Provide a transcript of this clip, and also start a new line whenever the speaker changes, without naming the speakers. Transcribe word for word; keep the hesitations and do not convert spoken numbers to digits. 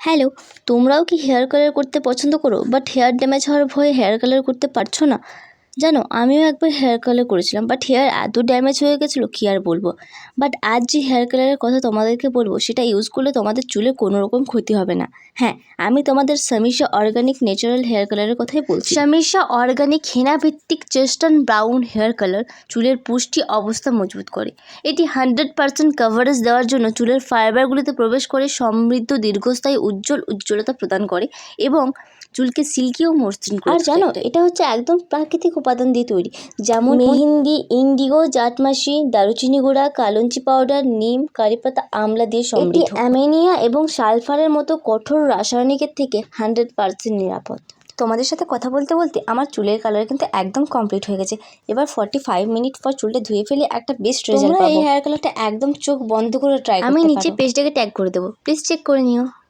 Hello, তোমরাও কি hair colour করতে পছন্দ করো বাট হেয়ার ড্যামেজ হওয়ার ভয়ে হেয়ার কালার করতে পারছো না? জানো, আমিও একবার হেয়ার কালার করেছিলাম বাট হেয়ার এত ড্যামেজ হয়ে গেছিলো কী আর বলবো। বাট আজ যে হেয়ার কালারের কথা তোমাদেরকে বলবো সেটা ইউজ করলে তোমাদের চুলে কোনো রকম ক্ষতি হবে না। হ্যাঁ, আমি তোমাদের সামিশা অর্গানিক ন্যাচারাল হেয়ার কালারের কথাই বলছি। সামিশা অর্গানিক হেনা ভিত্তিক চেস্টার্ন ব্রাউন হেয়ার কালার চুলের পুষ্টি অবস্থা মজবুত করে। এটি হান্ড্রেড পার্সেন্ট কভারেজ দেওয়ার জন্য চুলের ফাইবারগুলিতে প্রবেশ করে সমৃদ্ধ দীর্ঘস্থায়ী উজ্জ্বল উজ্জ্বলতা প্রদান করে এবং চুলকে সিল্কি ও মসৃণ করে। আর জানো, এটা হচ্ছে একদম প্রাকৃতিক উপাদান দিয়ে তৈরি, যেমন মেহেন্দি, ইন্ডিগো, জাটমাসি, দারুচিনি গুঁড়া, কালঞ্চি পাউডার, নিম, কারিপাতা, আমলা দিয়ে সমৃদ্ধ। এটি অ্যামোনিয়া এবং সালফারের মতো কঠোর রাসায়নিকের থেকে হান্ড্রেড পার্সেন্ট নিরাপদ। তোমাদের সাথে কথা বলতে বলতে আমার চুলের কালার কিন্তু একদম কমপ্লিট হয়ে গেছে। এবার ফর্টি ফাইভ মিনিট পর চুলটা ধুয়ে ফেলে একটা বেস্ট রেজাল্ট পাবো। এই হেয়ার কালারটা একদম চোখ বন্ধ করে ট্রাই করতে পারো। আমি নিচে পেজটাকে ট্যাগ করে দেবো, প্লিজ চেক করে নিও।